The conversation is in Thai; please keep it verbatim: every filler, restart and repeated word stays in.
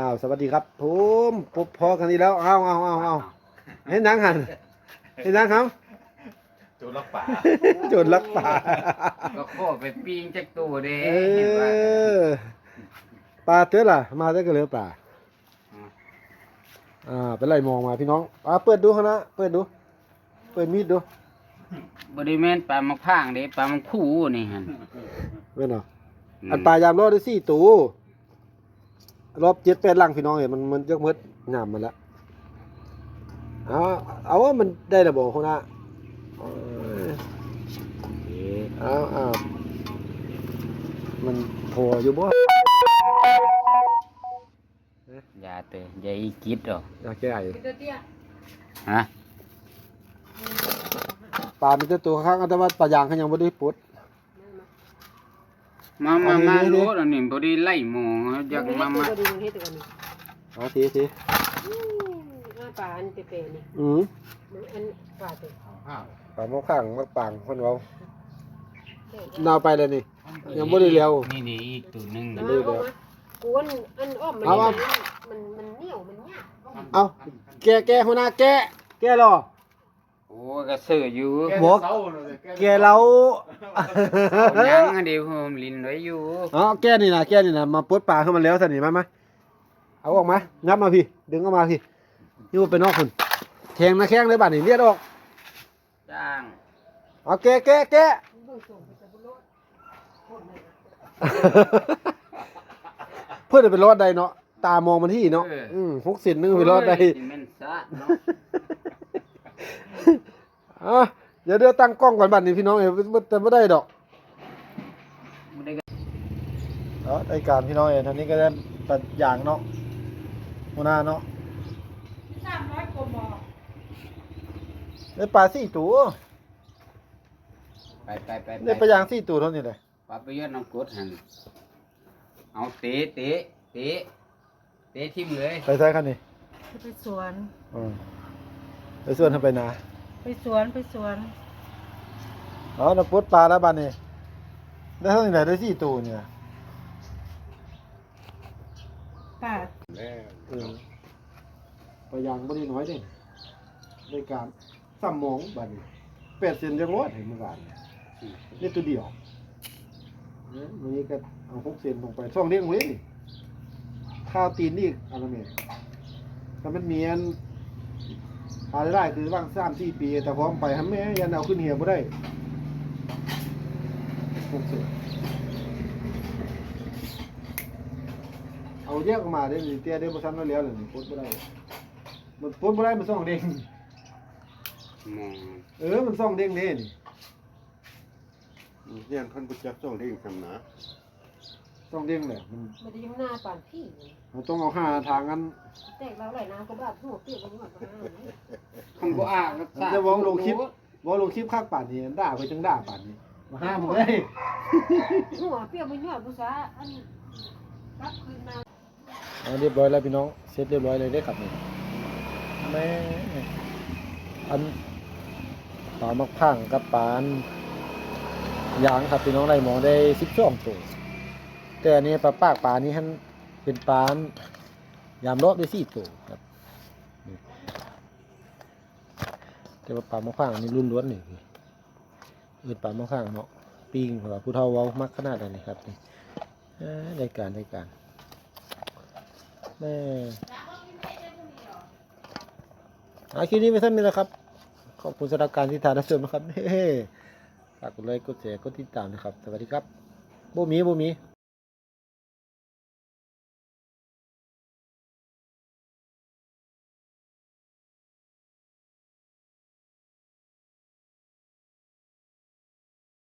าวสวัสดีครับผมพบพอกันอีกแล้วเอาเอาเอาเอาเห็นนังหันเห็นนังครับโจรลักป่าโจรลักป่าก็โคไปปิ้งจักตัวเด้เออปลาเต้อล่ะมาได้ก็เหลือปลาอ่าเป็นไรมองมาพี่น้องอ่าเปิดดูเขานะเปิดดูเปิดมีดดูบริเวณปลาหมกพางเด้ปลาหมกคู่นี่ฮะเว้นเหรออันปลายามรอดได้สี่ตัวรอบเจ็ดแปดลังพี่น้องเห็นมันมันจะมืดหนามมันละเอาเอาว่ามันได้ระบบเขานะเอาเอามันพออยู่บ่อย่าเตะอย่าอีกิดหรอกอยากแก้ไอ้ฮะปลาเป็นตัวข้างแต่ว่าปลายางเขายังไม่ได้ปุดมามามารู้แล้วนี่บริไล่หมองอยากมามาเอาทีทีปลาอันเปรี้ยวนี่อืมอันปลาเปรี้ยวปลาหม้อข้างมักปังคนเรานาวไปเลยนี่ยังไม่ได้เลี้ยวนี่นี่อีกตัวนึงนะกวนอันอ้อมมันมันมันเหนียวมันยากเอาแกแกหัวหน้าแกแกรอโอ้ก็เสืออยู่บอกแกเรายังอันเดียวผมลินไว้อยู่อ๋อแกนี่นะแกนี่นะมาปลดปลาขึ้นมาแล้วสินี่มาไหมเอาออกมางับมาพี่ดึงออกมาพี่นี่ว่าเป็นนอกคนแทงนะแข้งเลยบ้านนี่เลียดออกจ้างเอาแกแกแกเพื่อนจะเป็นรอดใดเนาะตามองมันที่เนาะอืมหกสิบนึงเป็นรอดใดอ่ะเดี๋ยวเดี๋ยวตั้งกล้องก่อนบ้านนี้พี่น้องเอ๋แต่ไม่ได้ดอกเนาะรายการพี่น้องเอ๋ท่านนี้ก็ได้ตัดอย่างเนาะหัวหน้าเนาะสามร้อยกว่าหม้อได้ปลาสี่ตัวไปไปไปได้ปลาย่างสี่ตัวเท่านี้เลยปลาไปยอดน้ำกรดหันเอาเตะเตะเตะเตะทิ่มเลยไปใช่คันนี้ไปสวนอืมไปสวนทำไปนาไปสวนไปสวนอ๋อน้ำปลดปลาแล้วบ้านนี้ได้เท่าไหร่ได้สี่ตัวเนี่ยปลาเออปลาย่างไม่ได้น้อยเด้ในการสามโมงบ้านนี้แปดเซนยังรอดเห็นเมื่อวานนี่ตัวเดียวเนี่ยวันนี้ก็เอาหกเซนลงไปช่องเลี้ยงไว้นี่ข้าวตีนนี่อะไรเนี่ยถ้ามันเมียนหาได้คือว่างสามสี่ปีแต่พร้อมไปทำแม่ยันเอาขึ้นเหี่ยวไม่ได้หกเซนเอาแยกออกมาได้หรือเตี้ยได้มาซ้ำแล้วแล้วหรือปดไม่ได้มันปดไม่ได้มันส่องเด้งเออมันส่องเด้งเด้นี่เนี่ยท่านผู้จัดส่องเด้งคำนะส่องเด้งแหละมันมันจะยังหน้าป่านพี่เราต้องเอาห้าทางกันแตกแล้วไหลน้ำก็แบบหัวเปียกมันหมดคำก็อ่างจะวองลงคลิปวองลงคลิปข้างป่านนี้ด่าไปจังด่าป่านนี้มาห้ามเลยหัวเปียกมันหมดภาษาอันรับคืนมาเอาเรียบร้อยแล้วพี่น้องเสร็จเรียบร้อยเลยได้ขับนี่แม่อันปลามักพังกับปานยางครับพี่น้องได้มองได้สิบสองตัวแต่อันนี้ปลาปากปลานี้ท่านเป็นปลายามรอบได้สี่ตัวครับแต่ว่าปลามักพังนี่รุ่นล้วนนี่เออปลามักพังเนาะปิ้งแบบผู้เฒ่าเว้ามักขนาดนี้ครับนี่ได้การได้การแม่อาคลิปนี้ไม่สั้นนี่แหละครับขอบคุณสำหรับการที่ถ่ายรับชมนะครับเฮ้ฝากกดไลค์กดแชร์กดติดตามนะครับสวัสดีครับโบมีโบมี